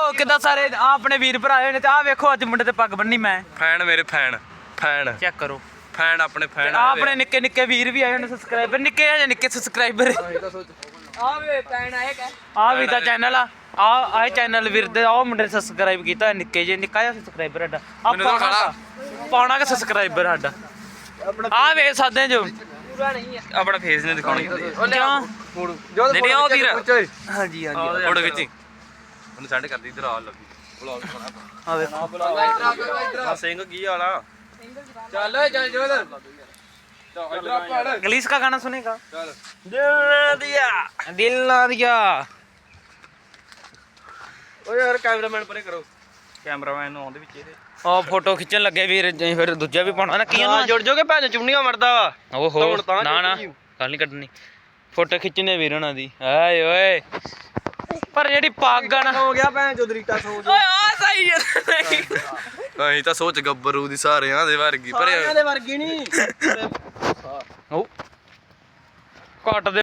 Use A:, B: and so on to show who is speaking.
A: ਵੇਖੋ ਕਿੱਦਾਂ ਸਾਰੇ ਆ ਆਪਣੇ ਵੀਰ ਭਰਾ ਹੋਏ ਨੇ ਤੇ ਆ ਵੇਖੋ ਅੱਜ ਮੁੰਡੇ ਤੇ ਪੱਗ ਬੰਨੀ ਮੈਂ
B: ਫੈਨ ਮੇਰੇ ਫੈਨ
A: ਚੈੱਕ ਕਰੋ
B: ਫੈਨ ਆਪਣੇ ਫੈਨ
A: ਆ ਆਪਣੇ ਨਿੱਕੇ ਨਿੱਕੇ ਵੀਰ ਵੀ ਆਏ ਨੇ ਸਬਸਕ੍ਰਾਈਬਰ ਨਿੱਕੇ ਆ ਨਿੱਕੇ ਸਬਸਕ੍ਰਾਈਬਰ
C: ਆ ਵੇ ਪੈਣ ਆਏਗਾ
A: ਆ ਵੀ ਦਾ ਚੈਨਲ ਆ ਚੈਨਲ ਵੀਰ ਦੇ ਉਹ ਮੁੰਡੇ ਸਬਸਕ੍ਰਾਈਬ ਕੀਤਾ ਨਿੱਕੇ ਜੇ ਨਿੱਕਾ ਜਿਹਾ ਸਬਸਕ੍ਰਾਈਬਰ ਸਾਡਾ ਪਾਉਣਾ ਕਿ ਸਬਸਕ੍ਰਾਈਬਰ ਸਾਡਾ ਆ ਵੇਖ ਸਕਦੇ ਜੋ
C: ਪੂਰਾ ਨਹੀਂ ਆ
B: ਆਪਣਾ ਫੇਸ ਨਹੀਂ ਦਿਖਾਉਣੀ
A: ਕਿਉਂ
B: ਨਹੀਂ ਉਹ ਵੀਰ
A: ਹਾਂਜੀ
B: ਫੋਟੋ ਖਿੱਚੀ ਉਹਨੂੰ ਸੈਂਡ ਕਰਦੀ ਇਧਰ ਆ ਲੱਗੀ ਬਲੌਗ
A: ਆ ਵੇਖੋ
B: ਆ ਸਿੰਘ ਕੀ ਵਾਲਾ
C: ਚੱਲ ਚੱਲ ਜੋ ਇਧਰ
A: इंग्लिश का गाना सुनेगा
B: ਚੱਲ
A: दिल ना दिया
B: ਓ ਯਾਰ ਕੈਮਰਾਮੈਨ ਪਰੇ ਕਰੋ ਕੈਮਰਾਮੈਨ ਨੂੰ ਆਉਂਦੇ ਵਿੱਚ ਇਹਦੇ
A: ਉਹ ਫੋਟੋ ਖਿੱਚਣ ਲੱਗੇ ਵੀਰ ਜੀ ਫਿਰ ਦੂਜਾ ਵੀ ਪਾਉਣਾ ਨਾ ਕੀਆਂ ਨੂੰ
B: ਜੁੜ ਜਾਓਗੇ ਭੈਣ ਚੁੰਨੀਆਂ ਮਰਦਾ ਵਾ
A: ਓਹੋ
B: ਤਾਂ
A: ਨਾ ਨਾ ਗੱਲ ਨਹੀਂ ਕੱਢਣੀ ਫੋਟੋ ਖਿੱਚਣੇ ਵੀਰ ਉਹਨਾਂ ਦੀ ਆਏ ਓਏ ਪਰ ਜਿਹੜੀ ਪੱਗ ਆ ਨਾ
C: ਹੋ ਗਿਆ ਭੈਣ ਚੋਦਰੀਟਾ ਸੋਚ
A: ਓਏ ਆ ਸਹੀ ਹੈ
B: ਅਸੀਂ ਤਾਂ ਸੋਚ ਗੱਬਰੂ ਦੀ ਸਾਰਿਆਂ ਦੇ ਵਰਗੀ ਪਰ
C: ਸਾਰਿਆਂ ਦੇ ਵਰਗੀ ਨਹੀਂ
A: ਉਹ ਘੱਟ ਦੇ